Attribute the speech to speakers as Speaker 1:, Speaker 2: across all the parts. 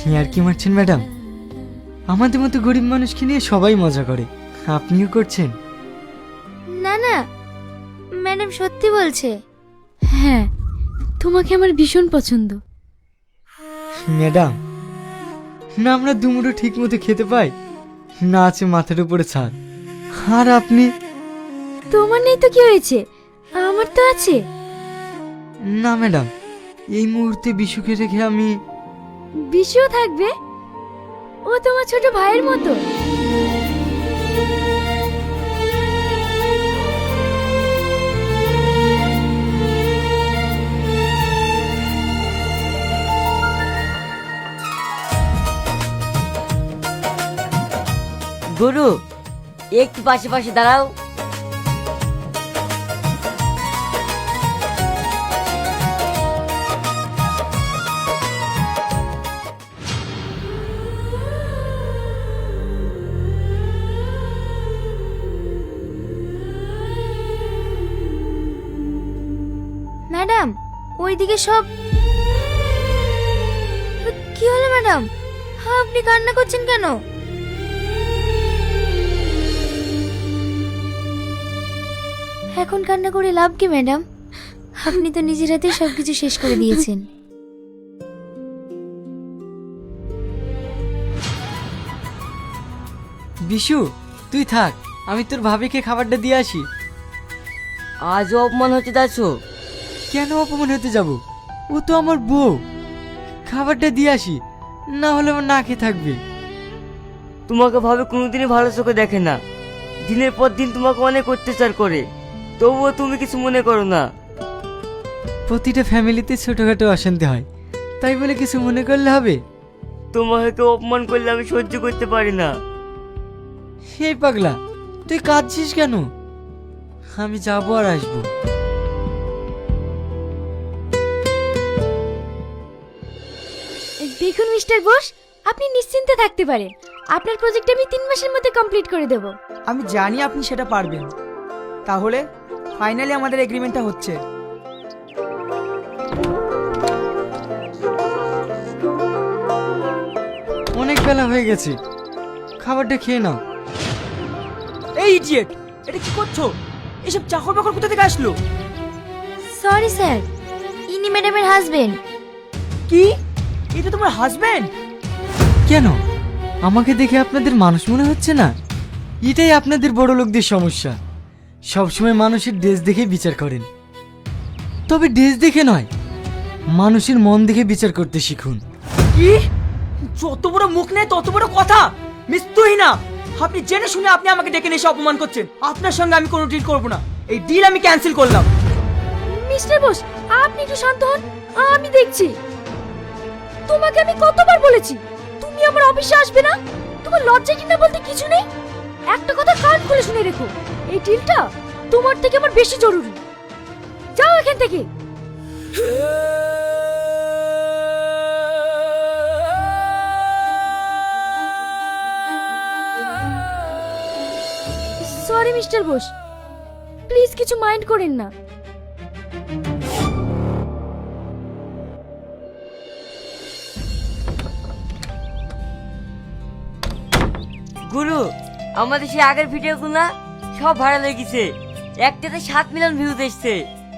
Speaker 1: আর কি মারছেন ম্যাডাম? আমাদের মতো গরিব মানুষকে নিয়ে সবাই মজা করে, আপনিও করছেন?
Speaker 2: না না, ম্যাডাম সত্যি বলছে।
Speaker 3: হ্যাঁ, তোমাকে আমার ভীষণ পছন্দ।
Speaker 1: ম্যাডাম, না আমরা দুমুঠো ঠিক মতো খেতে পাই, না আছে মাথার উপরে ছাদ, আর আপনি?
Speaker 3: তোমার নেই তো কি হয়েছে, আমার তো আছে।
Speaker 1: না ম্যাডাম, এই মুহূর্তে বিশুকে রেখে আমি।
Speaker 3: বিশুও থাকবে, ও তোমার ছোট ভাইয়ের মতো।
Speaker 4: গুরু, একটু পাশে পাশে দাঁড়াও।
Speaker 2: ম্যাডাম, ওইদিকে সব কি হলো ম্যাডাম? আপনি কান্না করছেন কেন? এখন কান্না করে লাভ কি ম্যাডাম? আপনি তো নিজের হাতে সবকিছু শেষ করে দিয়েছেন।
Speaker 1: বিশু, তুই থাক, আমি তোর ভাবিকে খাবারটা দিয়ে আসি।
Speaker 4: আজও অপমান হচ্ছে দাসু।
Speaker 1: কেন অপমান হতে যাব? ও তো আমার বউ। খাবারটা দিয়ে আসি, না হলে আমার না খেয়ে থাকবে।
Speaker 4: তোমাকে ভাবে কোনোদিনই ভালো চোখে দেখে না, দিনের পর দিন তোমাকে অনেক অত্যাচার করে, তবুও তুমি কিছু মনে করো না।
Speaker 1: প্রতিটা ফ্যামিলিতে ছোটখাটো অশান্তি হয়, তাই বলে কিছু মনে করলে হবে?
Speaker 4: তোমাকে কেউ অপমান করলে আমি সহ্য করতে পারি না।
Speaker 1: হে পাগলা, তুই কাঁদছিস কেন? আমি যাবো আর আসবো।
Speaker 3: দেখুন মিস্টার বোস, আপনি নিশ্চিন্তে থাকতে পারেন, আপনার প্রজেক্ট আমি 3 মাসের মধ্যে কমপ্লিট করে দেব।
Speaker 5: আমি জানি আপনি সেটা পারবেন। তাহলে ফাইনালি আমাদের এগ্রিমেন্টটা হচ্ছে।
Speaker 1: অনেক বেলা হয়ে গেছে, খাবারটা খেয়ে নাও।
Speaker 5: এই ইডিয়েট, এটা কি করছো? এসব চাকর বাকর কোথা থেকে আসলো?
Speaker 2: সরি স্যার, ইনি ম্যাডামের হাজবেন্ড।
Speaker 5: কি? এটা তোমার হাজবেন্ড?
Speaker 1: কেন, আমাকে দেখে আপনাদের মানুষ মনে হচ্ছে না? এটাই আপনাদের বড় লোকদের সমস্যা, সবসময় মানুষের ড্রেস দেখে বিচার করেন। তবে ড্রেস দেখে নয়, মানুষের মন দেখে বিচার করতে শিখুন।
Speaker 5: কি? যত বড় মুখ নেই তত বড় কথা। মিস তুহিনা, আপনি জেনে শুনে আপনি আমাকে ডেকে নিয়ে এসে অপমান করছেন। আপনার সঙ্গে আমি কোনো ডিল করব না। এই ডিল আমি ক্যান্সেল করলাম।
Speaker 3: মিস্টার বোস, আপনি একটু শান্ত হন, আমি দেখছি। তোমাকে আমি কতবার বলেছি তুমি আমার অফিসে আসবে না? তোমার লজ্জা কিনা বলতে কিছু নেই? একটা কথা কান খুলে শুনে রেখো, এই ডিলটা তোমার থেকে আমার বেশি জরুরি। যাও এখান থেকে। সরি মিস্টার বোস, প্লিজ কিছু মাইন্ড করেন না।
Speaker 4: গুরু, আমাদের সেই আগের ভিডিওগুলো না সব ভাইরাল হয়ে গেছে, একটাতে 7 মিলিয়ন ভিউজ এসছে।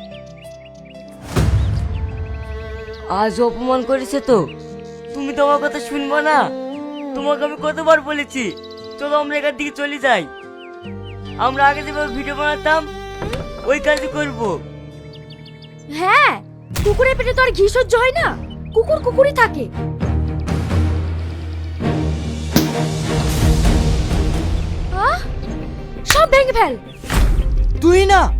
Speaker 4: আজ অপমান করেছে তো, তুমি তো আমার কথা শুনবো না? তোমাকে আমি কতবার বলেছি, চলো আমরা এখান থেকে চলে যাই। আমরা আগে যেভাবে ভিডিও বানাতাম ওই কাজই করব।
Speaker 3: হ্যাঁ, কুকুরের পেটে তো আর ঘি সহ্য হয় না, কুকুর কুকুরই থাকে। সব ভেঙে ফেল।
Speaker 5: তুহিনা,